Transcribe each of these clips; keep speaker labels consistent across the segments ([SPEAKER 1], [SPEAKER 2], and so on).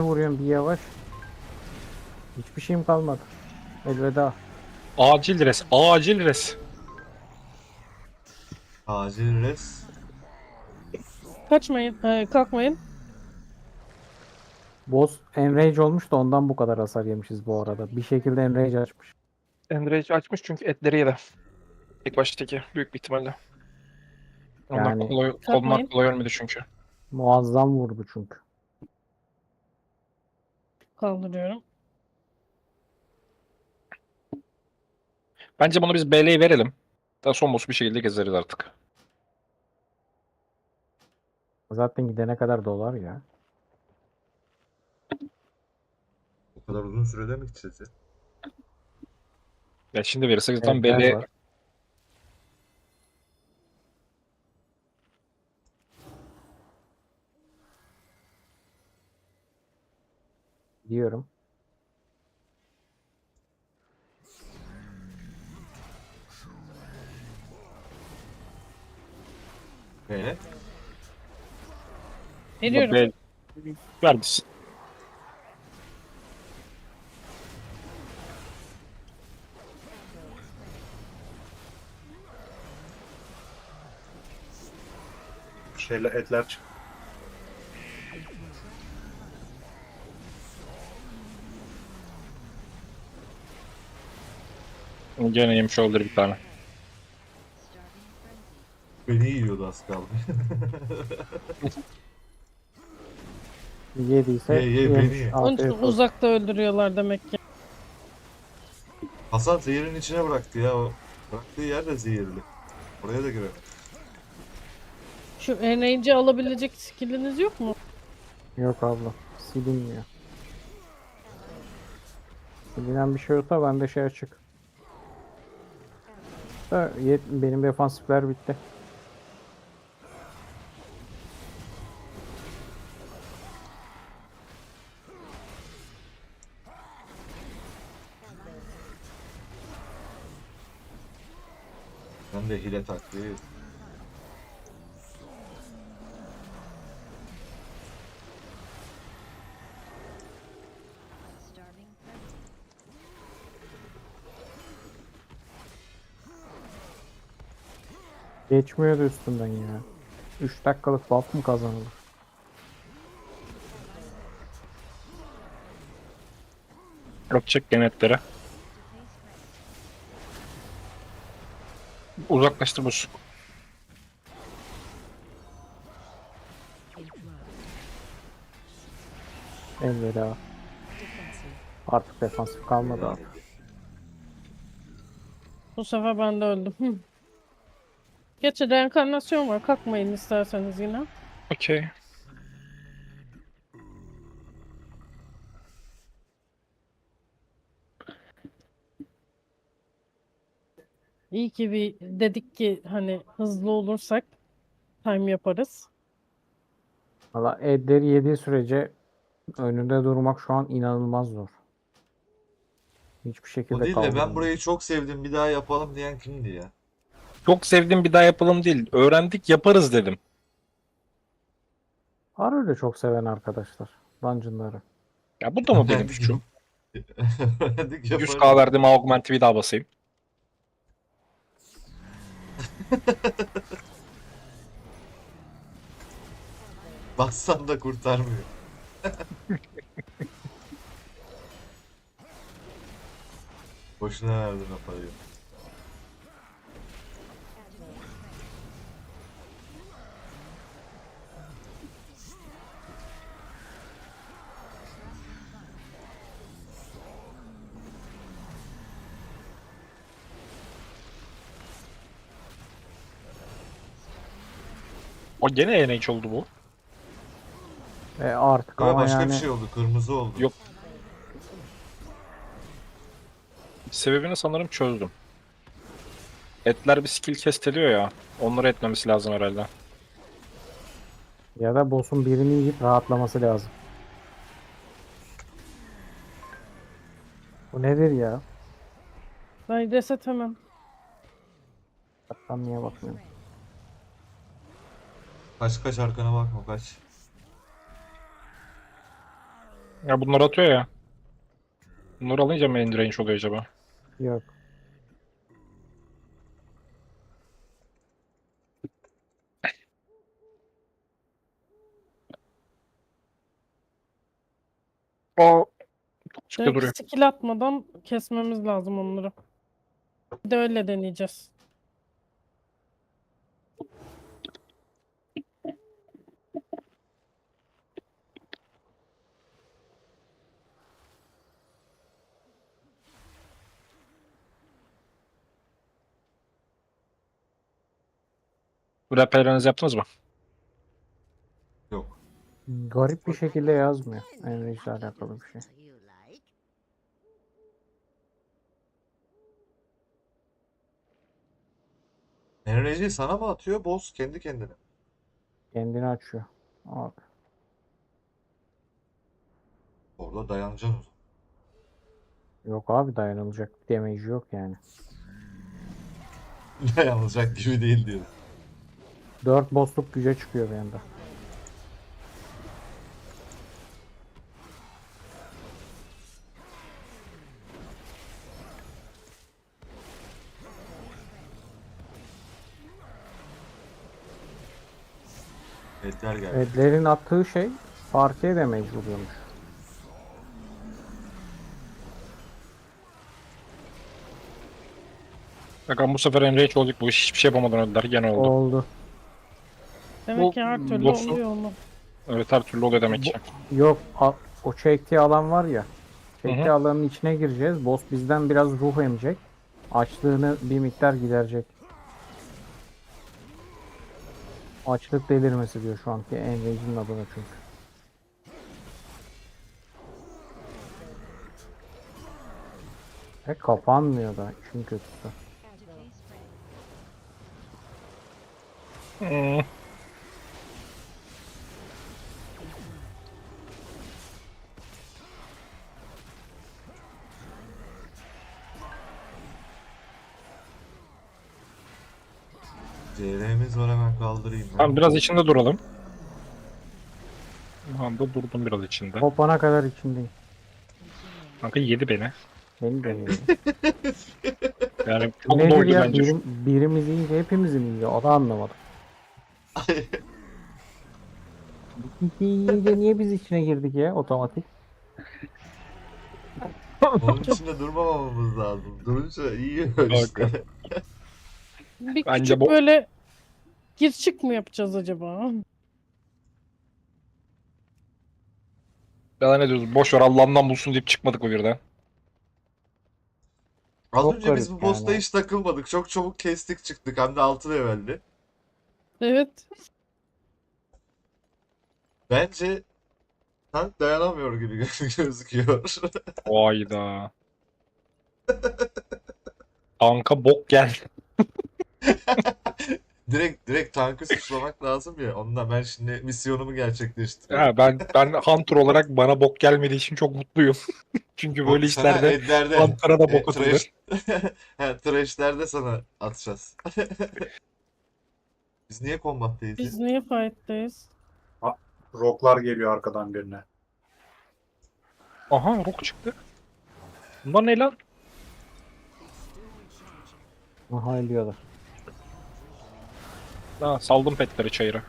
[SPEAKER 1] vuruyorum bir yavaş. Hiçbir şeyim kalmadı. Elveda.
[SPEAKER 2] Acil res. Acil res.
[SPEAKER 3] Acil res.
[SPEAKER 4] Kaçmayın. Kalkmayın.
[SPEAKER 1] Boss enrage olmuş da ondan bu kadar hasar yemişiz bu arada. Bir şekilde enrage açmış.
[SPEAKER 2] Enrage açmış çünkü etleri yedi. İlk baştaki büyük bir ihtimalle. Onlar
[SPEAKER 1] Yani
[SPEAKER 2] kolay, onlar
[SPEAKER 4] Kalkmayın.
[SPEAKER 2] kolay ölmedi çünkü.
[SPEAKER 1] muazzam vurdu çünkü.
[SPEAKER 4] Kaldırıyorum.
[SPEAKER 2] Bence bunu biz BL'yi verelim. Daha son boss bir şekilde gezeriz artık.
[SPEAKER 1] Zaten gidene kadar dolar ya.
[SPEAKER 3] O kadar uzun sürede mi gideceğiz ya?
[SPEAKER 2] Ya şimdi verirsek zaten
[SPEAKER 1] Evler
[SPEAKER 2] BL
[SPEAKER 1] var. Diyorum.
[SPEAKER 3] Ne?
[SPEAKER 4] Veriyorum.
[SPEAKER 2] BL ver biz.
[SPEAKER 3] Şeyle etler çık.
[SPEAKER 2] Gene yemiş olabilir bir tane.
[SPEAKER 3] Beni yiyordu az kaldı.
[SPEAKER 1] Yediyse
[SPEAKER 3] Ye, beni
[SPEAKER 1] yemiş.
[SPEAKER 3] ye.
[SPEAKER 4] Onun için
[SPEAKER 1] Afiyet olsun.
[SPEAKER 4] uzakta öldürüyorlar demek ki.
[SPEAKER 3] Hasan zehirin içine bıraktı ya. O bıraktığı yer de zehirli. Oraya da girelim.
[SPEAKER 4] Şu enrage'i alabilecek skilliniz yok mu?
[SPEAKER 1] Yok abla. Silinmiyor. Silinen bir şey yoksa bende şey açık. Benim defansifler bitti.
[SPEAKER 3] Ben de hile taktiği.
[SPEAKER 1] Geçmiyordu üstünden ya. 3 dakikalık buff mı kazanılır?
[SPEAKER 2] Yok çek gene etlere. Uzaklaştır boss.
[SPEAKER 1] Elveda. Artık defansif kalmadı abi.
[SPEAKER 4] Bu sefer ben de öldüm. Geçe reenkarnasyon var. Kalkmayın isterseniz yine.
[SPEAKER 2] Okey.
[SPEAKER 4] İyi ki bir dedik ki hani hızlı olursak time yaparız.
[SPEAKER 1] Valla Edder'i yediği sürece önünde durmak şu an inanılmaz zor. Hiçbir
[SPEAKER 3] O
[SPEAKER 1] şekilde
[SPEAKER 3] değil de ben
[SPEAKER 1] kaldıramıyor.
[SPEAKER 3] burayı çok sevdim bir daha yapalım diyen kimdi ya?
[SPEAKER 2] Çok sevdim bir daha yapalım değil. Öğrendik yaparız dedim.
[SPEAKER 1] Var öyle çok seven arkadaşlar. Dungeon'ları.
[SPEAKER 2] Ya bu da mı benim
[SPEAKER 3] Öğrendik,
[SPEAKER 2] suçum?
[SPEAKER 3] öğrendik yaparız.
[SPEAKER 2] 100k verdim augment'i bir daha basayım.
[SPEAKER 3] Bassan da kurtarmıyor. Boşuna verdin o parayı.
[SPEAKER 2] O gene NH oldu bu.
[SPEAKER 1] Artık
[SPEAKER 3] Ya
[SPEAKER 1] ama
[SPEAKER 3] başka bir
[SPEAKER 1] yani
[SPEAKER 3] şey oldu. Kırmızı oldu.
[SPEAKER 2] Yok. Sebebini sanırım çözdüm. Etler bir skill kesteliyor ya. Onları etmemesi lazım herhalde.
[SPEAKER 1] ya da boss'un birini yiyip rahatlaması lazım. Bu nedir ya?
[SPEAKER 4] Ben reset hemen.
[SPEAKER 1] Ben niye bakmıyorum?
[SPEAKER 3] Kaç arkana bakma kaç.
[SPEAKER 2] Ya bunları atıyor ya. Bunları alınca mı end range oluyor acaba?
[SPEAKER 1] Yok.
[SPEAKER 2] Aa, çıktı
[SPEAKER 4] Direkt
[SPEAKER 2] duruyor.
[SPEAKER 4] skill atmadan kesmemiz lazım onları. Bir de öyle deneyeceğiz.
[SPEAKER 2] Rapperlerinizi yaptınız mı?
[SPEAKER 3] Yok.
[SPEAKER 1] Garip bir şekilde yazmıyor. Enrage'le alakalı bir şey.
[SPEAKER 3] Enerjiyi sana mı atıyor? Boss kendi kendine.
[SPEAKER 1] Kendini açıyor. Abi.
[SPEAKER 3] Orada dayanacaksın o zaman.
[SPEAKER 1] Yok abi, dayanılacak bir damage yok yani.
[SPEAKER 3] Dayanılacak gibi değil diyor.
[SPEAKER 1] 4 boss'luk güce çıkıyor bir anda.
[SPEAKER 3] Etler geldi.
[SPEAKER 1] Redlerin attığı şey partiye damage vuruyormuş.
[SPEAKER 2] Bakalım bu sefer end range olduk. Bu iş hiçbir şey yapamadan öldüler. Gene oldu.
[SPEAKER 1] Oldu.
[SPEAKER 4] Demek
[SPEAKER 2] Bu
[SPEAKER 4] ki her türlü
[SPEAKER 2] boss'u-
[SPEAKER 4] oluyor mu?
[SPEAKER 2] Evet, her türlü oluyor demek ki.
[SPEAKER 1] Yok, o çektiği alan var ya.
[SPEAKER 2] Hı hı.
[SPEAKER 1] Çektiği alanın içine gireceğiz. Boss bizden biraz ruh emecek. Açlığını bir miktar giderecek. Açlık delirmesi diyor şu anki Enrage'in adına çünkü. Ve kapanmıyor da işin kötüsü.
[SPEAKER 2] Hmm.
[SPEAKER 3] CR'miz var, hemen kaldırayım.
[SPEAKER 2] Tamam, biraz içinde duralım. Şu anda durdum biraz içinde.
[SPEAKER 1] Kopana kadar içindeyim.
[SPEAKER 2] Kanka yedi beni.
[SPEAKER 1] Beni de yedi.
[SPEAKER 2] Yani çok
[SPEAKER 1] Nedir
[SPEAKER 2] doydu
[SPEAKER 1] ya?
[SPEAKER 2] bence.
[SPEAKER 1] Birimiz yiyince hepimiz mi yiyor? O da anlamadım. Yiyince niye biz içine girdik ya otomatik?
[SPEAKER 3] Onun içinde durmamamız lazım. Durunca yiyor işte.
[SPEAKER 2] Kanka.
[SPEAKER 4] Bir
[SPEAKER 2] Bence
[SPEAKER 4] küçük
[SPEAKER 2] bu-
[SPEAKER 4] böyle gir çık mı yapacağız acaba?
[SPEAKER 2] Ya ne diyoruz? Boş ver, Allah'ından bulsun deyip çıkmadık mı birden?
[SPEAKER 3] Az
[SPEAKER 1] Çok
[SPEAKER 3] önce biz
[SPEAKER 1] garip
[SPEAKER 3] bu boss'ta
[SPEAKER 1] yani.
[SPEAKER 3] hiç takılmadık. Çok çabuk kestik çıktık. Hem de 6 level'di.
[SPEAKER 4] Evet.
[SPEAKER 3] Bence tank dayanamıyor gibi gözüküyor.
[SPEAKER 2] Hayda. Kanka bok gel.
[SPEAKER 3] Direkt tankı suçlamak lazım ya. Ondan ben şimdi misyonumu gerçekleştiriyorum.
[SPEAKER 2] Ya ben Hunter olarak bana bok gelmediği için çok mutluyum. Çünkü böyle
[SPEAKER 3] Sana
[SPEAKER 2] işlerde
[SPEAKER 3] Edler'de.
[SPEAKER 2] Hunter'a da bok atılır.
[SPEAKER 3] Trash. Ha, Trash'lerde sana atacağız. Biz niye kombattayız ya?
[SPEAKER 4] Biz niye fight'tayız?
[SPEAKER 5] Rocklar geliyor arkadan birine.
[SPEAKER 2] Aha, Rock çıktı. Bunlar ne lan?
[SPEAKER 1] Aha ölüyorlar.
[SPEAKER 2] Ha, saldım petleri çayıra.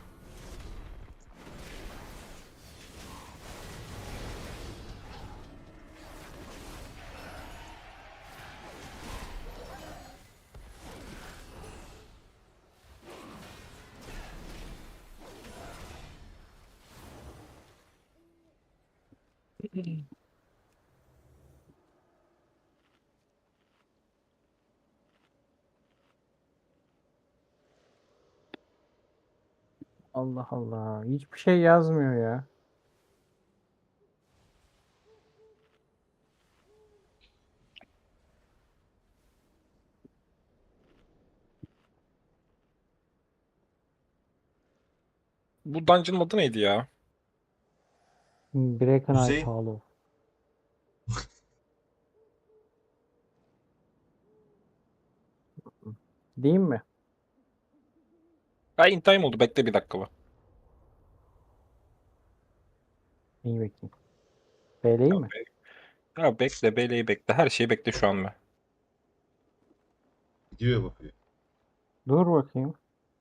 [SPEAKER 1] Allah Allah. Hiçbir şey yazmıyor ya.
[SPEAKER 2] Bu dungeon'ın adı neydi ya?
[SPEAKER 1] Breaking Ice
[SPEAKER 3] Hüseyin.
[SPEAKER 1] Hollow. Değil mi?
[SPEAKER 2] Ha, in time oldu. Bekle bir dakika bu.
[SPEAKER 1] İyi bakayım. Beyleği mi?
[SPEAKER 2] Ya bekle, beyleği bekle. Her şeyi bekle şu an be.
[SPEAKER 3] Gidiyor bakıyor.
[SPEAKER 1] Dur bakayım.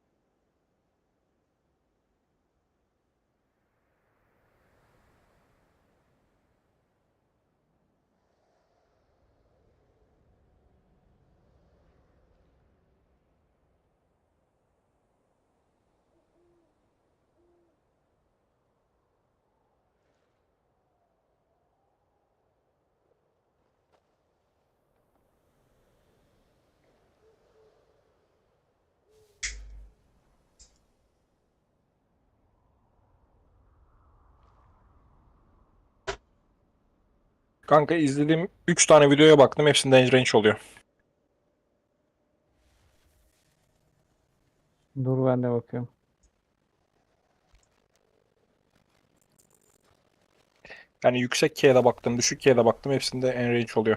[SPEAKER 2] Kanka izlediğim 3 tane videoya baktım. Hepsinde range oluyor.
[SPEAKER 1] Dur ben de bakıyorum.
[SPEAKER 2] Yani yüksek K'ye baktım, düşük K'ye baktım. Hepsinde en range oluyor.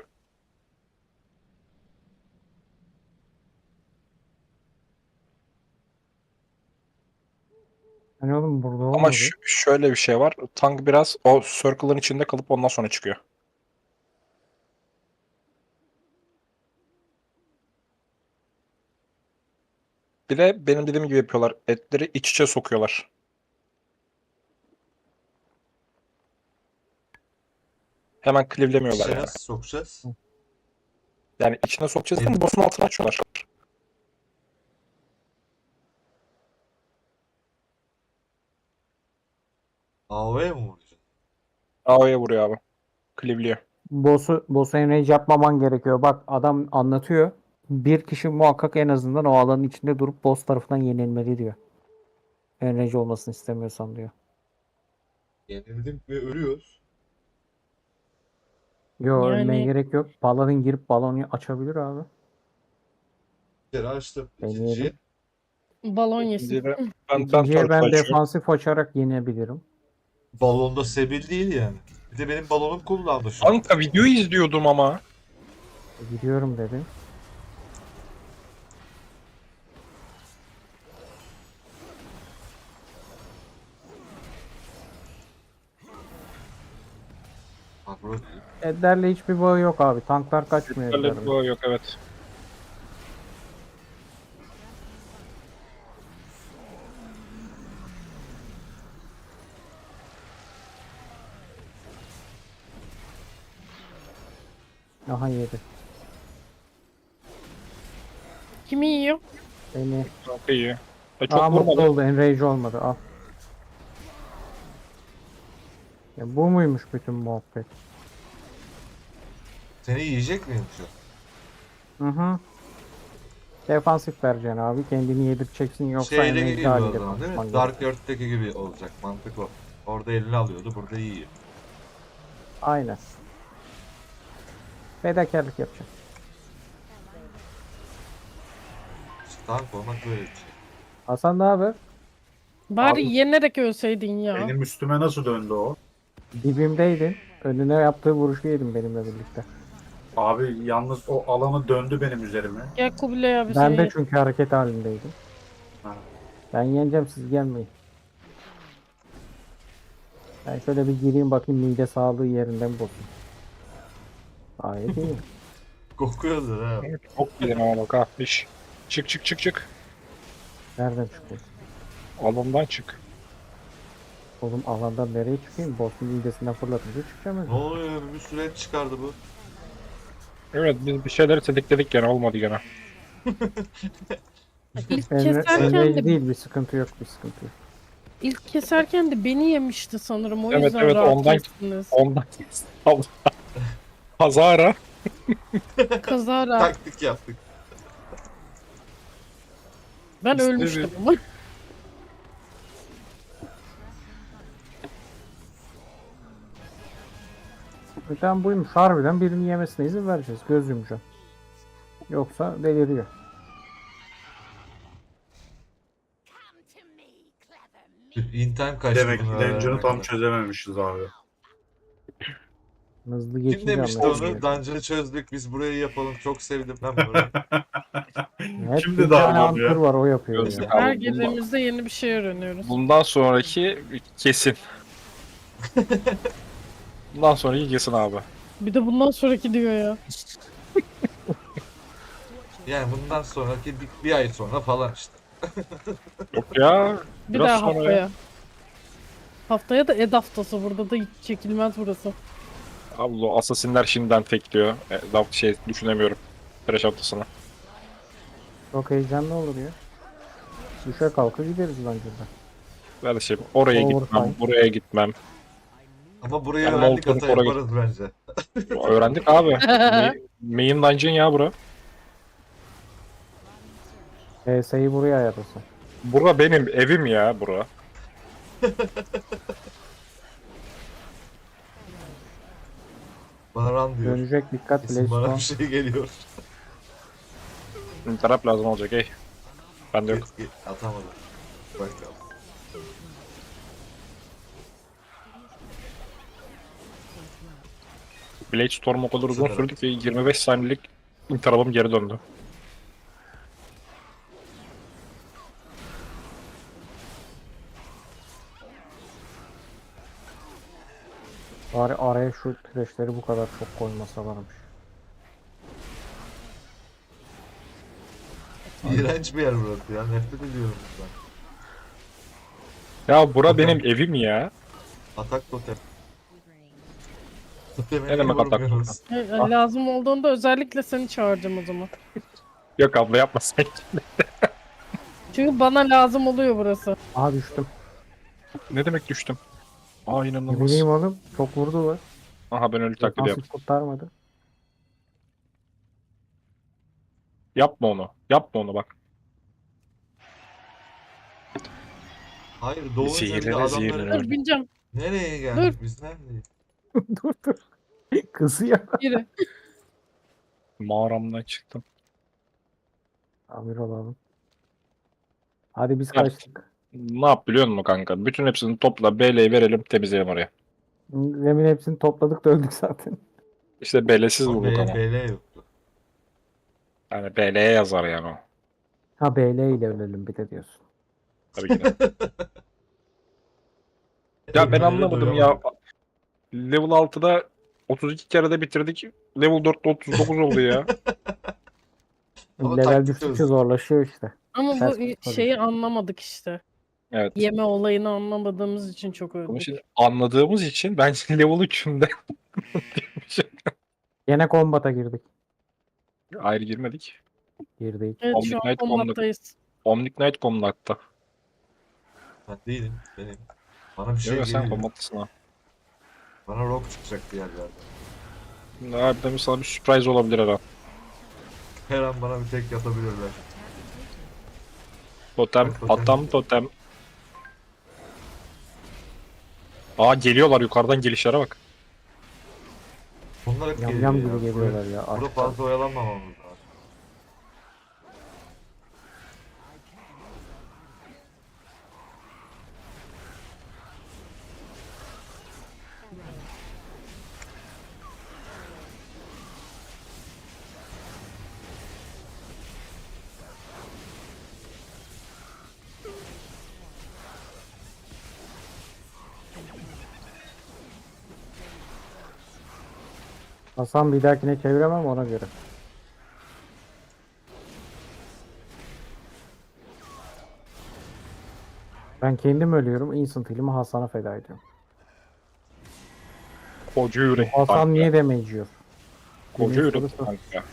[SPEAKER 1] Hani oğlum burada
[SPEAKER 2] Ama
[SPEAKER 1] olmadı.
[SPEAKER 2] şöyle bir şey var. Tank biraz o circle'ın içinde kalıp ondan sonra çıkıyor. Bir de benim dediğim gibi yapıyorlar. Etleri iç içe sokuyorlar. Hemen cleave'lemiyorlar
[SPEAKER 3] İşte
[SPEAKER 2] yani.
[SPEAKER 3] nasıl sokacağız?
[SPEAKER 2] Yani içine sokacağız ama boss'un altına açıyorlar.
[SPEAKER 3] AOV'ye mi vuracaksın?
[SPEAKER 2] AO'ya vuruyor abi. Cleave'liyor.
[SPEAKER 1] Boss'u enrage yapmaman gerekiyor. Bak adam anlatıyor. Bir kişi muhakkak en azından o alanın içinde durup boss tarafından yenilmeli diyor. Enrage olmasını istemiyorsan diyor.
[SPEAKER 3] Yenildik ve ölüyoruz.
[SPEAKER 1] Yo ölmeye
[SPEAKER 4] Yani
[SPEAKER 1] gerek yok. Paladin girip balonu açabilir abi.
[SPEAKER 3] Bir kere açtım.
[SPEAKER 1] Deneyelim.
[SPEAKER 3] İkinciyi
[SPEAKER 4] balon yesin.
[SPEAKER 2] İkinciye ben
[SPEAKER 1] İkinciye
[SPEAKER 2] turtle
[SPEAKER 1] ben
[SPEAKER 2] açıyorum.
[SPEAKER 1] defansif açarak yenebilirim.
[SPEAKER 3] balonda sebil değil yani. Bir de benim balonum kullandı şu an.
[SPEAKER 2] Kanka videoyu izliyordum ama.
[SPEAKER 1] Gidiyorum dedi.
[SPEAKER 3] Agro değil.
[SPEAKER 1] Edlerle hiçbir bağı yok abi. Tanklar kaçmıyor
[SPEAKER 2] Öyle bir
[SPEAKER 1] Edler'le.
[SPEAKER 2] bağ yok evet.
[SPEAKER 1] Aha yedi.
[SPEAKER 4] Kimi yiyor?
[SPEAKER 1] Beni.
[SPEAKER 2] Kanka iyi. Çok
[SPEAKER 1] Aa mutlu
[SPEAKER 2] vurmadı.
[SPEAKER 1] oldu. Enrage olmadı. Al. Ya bu muymuş bütün muhabbet?
[SPEAKER 3] Seni yiyecek miyim şu an?
[SPEAKER 1] Hı hı. Defansif vereceksin abi. Kendini yedirteceksin yoksa
[SPEAKER 3] Şeydeki
[SPEAKER 1] enrage
[SPEAKER 3] gibi o
[SPEAKER 1] haliyle
[SPEAKER 3] zaman değil mi?
[SPEAKER 1] konuşman
[SPEAKER 3] Dark
[SPEAKER 1] gerekiyor.
[SPEAKER 3] Earth'teki gibi olacak. Mantık o. Orada elini alıyordu, burada yiyor.
[SPEAKER 1] Aynen. Fedakarlık yapacak.
[SPEAKER 3] İşte tank olmak böyle bir şey.
[SPEAKER 1] Hasan ne haber?
[SPEAKER 4] Bari
[SPEAKER 5] Abi-
[SPEAKER 4] yenerek ölseydin ya.
[SPEAKER 5] Benim üstüme nasıl döndü o?
[SPEAKER 1] Dibimdeydin. Önüne yaptığı vuruşu yedim benimle birlikte.
[SPEAKER 5] Abi yalnız o alanı döndü benim üzerime.
[SPEAKER 4] Gel Kubilay abi
[SPEAKER 1] Ben de
[SPEAKER 4] seni.
[SPEAKER 1] çünkü hareket halindeydim.
[SPEAKER 5] Ha.
[SPEAKER 1] Ben yeneceğim siz gelmeyin. Ben şöyle bir gireyim bakayım mide sağlığı yerinden mi bozsun. Gayet iyi.
[SPEAKER 3] Kokuyordur ha.
[SPEAKER 2] Çok bilin ama bak ha. İş. Çık çık çık çık.
[SPEAKER 1] Nereden çıkıyorsun?
[SPEAKER 2] Alandan çık.
[SPEAKER 1] Oğlum alandan nereye çıkayım? Boss'un midesinden fırlatınca çıkacağım.
[SPEAKER 3] Ne oluyor? Bir süreç çıkardı bu.
[SPEAKER 2] Evet biz bir şeyleri tetikledik gene olmadı gene.
[SPEAKER 4] İlk keserken
[SPEAKER 1] Enrage
[SPEAKER 4] de
[SPEAKER 1] değil bir sıkıntı yok bir sıkıntı yok.
[SPEAKER 4] ilk keserken de beni yemişti sanırım. O
[SPEAKER 2] Evet,
[SPEAKER 4] yüzden
[SPEAKER 2] evet,
[SPEAKER 4] rahat
[SPEAKER 2] ondan-
[SPEAKER 4] kestiniz.
[SPEAKER 2] Ondan Allah. Kazara.
[SPEAKER 4] Kazara.
[SPEAKER 3] Taktik yaptık.
[SPEAKER 4] Ben
[SPEAKER 2] İşte
[SPEAKER 4] ölmüştüm ama.
[SPEAKER 1] Zaten buymuş harbiden birini yemesine izin vereceğiz. Göz yumacağım. Yoksa deliriyor.
[SPEAKER 3] In time kaçtı
[SPEAKER 5] Demek ki
[SPEAKER 3] bunu
[SPEAKER 5] Dungeon'ı
[SPEAKER 3] öğrenmek
[SPEAKER 5] tam
[SPEAKER 3] kadar.
[SPEAKER 5] çözememişiz abi.
[SPEAKER 1] Hızlı
[SPEAKER 3] Kim
[SPEAKER 1] geçince
[SPEAKER 3] demişti
[SPEAKER 1] anlaşılıyor.
[SPEAKER 3] onu? Dungeon'ı çözdük biz burayı yapalım. Çok sevdim ben bunu.
[SPEAKER 1] Hep
[SPEAKER 5] Kim
[SPEAKER 1] bir
[SPEAKER 5] dedi
[SPEAKER 1] tane
[SPEAKER 5] abi ya?
[SPEAKER 1] ankur var o yapıyor
[SPEAKER 2] Gözlük
[SPEAKER 1] ya.
[SPEAKER 2] al.
[SPEAKER 4] Her
[SPEAKER 2] bundan-
[SPEAKER 4] girdiğimizde yeni bir şey öğreniyoruz.
[SPEAKER 2] Bundan sonraki kesin. Bundan sonra yesin abi.
[SPEAKER 4] Bir de bundan sonraki diyor ya.
[SPEAKER 3] Yani bundan sonraki bir ay sonra falan işte.
[SPEAKER 2] Yok ya.
[SPEAKER 4] Bir
[SPEAKER 2] Biraz
[SPEAKER 4] daha
[SPEAKER 2] sonra
[SPEAKER 4] haftaya.
[SPEAKER 2] ya.
[SPEAKER 4] Haftaya da Ed haftası. Burada da hiç çekilmez burası.
[SPEAKER 2] Abi o asasinler şimdiden tekliyor. Daha şey düşünemiyorum. Crash haftasına.
[SPEAKER 1] Çok heyecanlı olur ya. Düşe kalka gideriz bence de.
[SPEAKER 2] Böyle şey oraya
[SPEAKER 1] Overtime.
[SPEAKER 2] gitmem, buraya gitmem.
[SPEAKER 3] Ama burayı
[SPEAKER 2] Yani
[SPEAKER 3] öğrendik,
[SPEAKER 2] Molten
[SPEAKER 3] hata
[SPEAKER 2] Core'a
[SPEAKER 3] yaparız bence.
[SPEAKER 2] Öğrendik abi. Main dungeon ya bura.
[SPEAKER 1] PS'yi buraya ayarlasın.
[SPEAKER 2] Bura benim evim ya bura.
[SPEAKER 3] Bana run diyor.
[SPEAKER 1] Dönecek dikkat
[SPEAKER 3] Kesin bana
[SPEAKER 1] Blaze
[SPEAKER 3] bir şey geliyor.
[SPEAKER 2] Taraf lazım olacak ey. Bende yok.
[SPEAKER 3] Atamadım. Bakalım.
[SPEAKER 2] Blade Storm o kadar uzun
[SPEAKER 3] Süper.
[SPEAKER 2] sürdü ki 25 saniyelik tarafım geri döndü.
[SPEAKER 1] Bari araya şu trashleri bu kadar çok koymasalarmış.
[SPEAKER 3] İğrenç bir yer burası ya. Nefret ediyorum ben.
[SPEAKER 2] Ya bura benim evim ya.
[SPEAKER 3] Atak totem. Toteme
[SPEAKER 2] Ne
[SPEAKER 3] niye
[SPEAKER 2] demek atak
[SPEAKER 3] vurmuyoruz?
[SPEAKER 4] Lazım olduğunda özellikle seni çağıracağım o zaman.
[SPEAKER 2] Yok abla yapmasın.
[SPEAKER 4] Çünkü bana lazım oluyor burası.
[SPEAKER 1] Aha düştüm.
[SPEAKER 2] Ne demek düştüm? Aa
[SPEAKER 1] Ne
[SPEAKER 2] inanılmaz.
[SPEAKER 1] bileyim oğlum. Çok vurdular.
[SPEAKER 2] Aha ben ölü taklidi
[SPEAKER 1] Nasıl
[SPEAKER 2] yaptım.
[SPEAKER 1] kurtarmadı.
[SPEAKER 2] Yapma onu. Yapma onu bak.
[SPEAKER 3] Hayır, doğunca bir de
[SPEAKER 2] Zehirlere
[SPEAKER 3] adamları...
[SPEAKER 2] zehirlere.
[SPEAKER 4] Dur bineceğim.
[SPEAKER 3] Nereye geldik biz, neredeyiz?
[SPEAKER 1] dur dur. Kızıyor.
[SPEAKER 4] Yürü.
[SPEAKER 2] Mağaramdan çıktım.
[SPEAKER 1] Amir olalım. Hadi biz
[SPEAKER 2] Evet.
[SPEAKER 1] kaçtık.
[SPEAKER 2] Ne yap biliyor musun kanka? Bütün hepsini topla BL'yi verelim temizleyelim oraya.
[SPEAKER 1] Demin hepsini topladık da öldük zaten.
[SPEAKER 2] İşte BL'siz
[SPEAKER 3] Ama
[SPEAKER 2] bulduk ama.
[SPEAKER 3] BL yoktu.
[SPEAKER 2] Yani BL'ye yazar yani o.
[SPEAKER 1] Ha BL ile ölelim bir de diyorsun.
[SPEAKER 2] Tabii ki de. Ya ben
[SPEAKER 3] Ölmeleri
[SPEAKER 2] anlamadım ya.
[SPEAKER 3] doyamadık.
[SPEAKER 2] Level 6'da 32 kere de bitirdik. Level 4'te 39 oldu ya.
[SPEAKER 3] Ama
[SPEAKER 1] Level
[SPEAKER 3] taktik
[SPEAKER 1] düştükçe
[SPEAKER 3] çözdük.
[SPEAKER 1] zorlaşıyor işte.
[SPEAKER 4] Ama
[SPEAKER 1] Ters
[SPEAKER 4] bu
[SPEAKER 1] kurtarıyor.
[SPEAKER 4] şeyi anlamadık işte.
[SPEAKER 2] Evet.
[SPEAKER 4] Yeme olayını anlamadığımız için çok
[SPEAKER 2] Bunu
[SPEAKER 4] öldük.
[SPEAKER 2] şimdi anladığımız için ben level 3'ümde
[SPEAKER 1] Yine kombata girdik.
[SPEAKER 2] ayrı girmedik.
[SPEAKER 1] Girdik.
[SPEAKER 4] Evet şu an
[SPEAKER 2] Omnignite
[SPEAKER 4] kombattayız.
[SPEAKER 2] Omnignite Combat'ta.
[SPEAKER 3] Ben değilim, benim. Bana bir şey
[SPEAKER 2] Yok sen
[SPEAKER 3] geliyor.
[SPEAKER 2] Combat'tasın ha.
[SPEAKER 3] Bana rock çıkacak bir yerlerden.
[SPEAKER 2] Harbiden sana bir sürpriz olabilir her an.
[SPEAKER 3] Her an bana bir tek yatabilirler.
[SPEAKER 2] Totem,
[SPEAKER 3] Bak, totem.
[SPEAKER 2] atam totem. Aa geliyorlar yukarıdan gelişlere bak.
[SPEAKER 3] Onlar hep
[SPEAKER 1] Yam
[SPEAKER 3] geliyor
[SPEAKER 1] yam
[SPEAKER 3] ya.
[SPEAKER 1] gibi geliyorlar ya.
[SPEAKER 3] Burada
[SPEAKER 1] Aşktan.
[SPEAKER 3] fazla oyalanmamamız lazım.
[SPEAKER 1] Hasan bir dahakine çeviremem ona göre. Ben kendim ölüyorum. Instant heal'imi Hasan'a feda ediyorum.
[SPEAKER 2] Koca yürek.
[SPEAKER 1] Hasan
[SPEAKER 2] kanka.
[SPEAKER 1] niye damage yiyor?
[SPEAKER 2] Koca
[SPEAKER 1] Dediğin
[SPEAKER 2] yürek
[SPEAKER 1] sorusu.
[SPEAKER 2] kanka.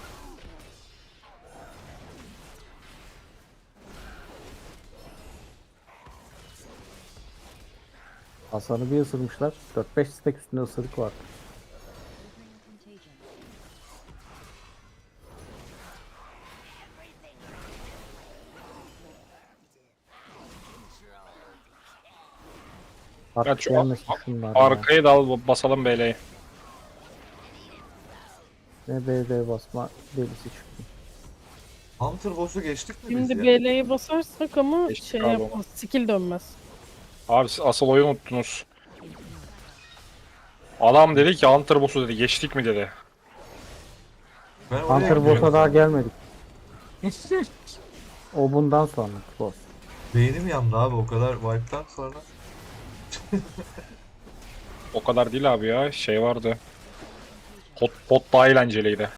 [SPEAKER 1] Hasan'ı bir ısırmışlar. 4-5 stack üstünde ısırık var. Artık
[SPEAKER 2] Kaç o-
[SPEAKER 1] gelmesin şunlar ya.
[SPEAKER 2] Arkayı da al basalım BL'yi.
[SPEAKER 1] Ne BD basma delisi çıktı.
[SPEAKER 3] Hunter boss'u geçtik mi biz
[SPEAKER 4] Şimdi
[SPEAKER 3] ya?
[SPEAKER 4] BL'ye basarsak ama
[SPEAKER 2] Geçtik
[SPEAKER 4] şey
[SPEAKER 2] abi
[SPEAKER 4] yapmaz. Skill dönmez.
[SPEAKER 2] Abi siz asıl oyunu unuttunuz. Adam dedi ki Hunter boss'u dedi geçtik mi dedi.
[SPEAKER 3] Ben oraya
[SPEAKER 1] Hunter
[SPEAKER 3] gidiyorum.
[SPEAKER 1] boss'a daha gelmedik. O bundan sonra boss.
[SPEAKER 3] Beynim yandı abi o kadar wipe'tan sonra.
[SPEAKER 2] O kadar değil abi ya. Şey vardı. Hot pot daha eğlenceliydi.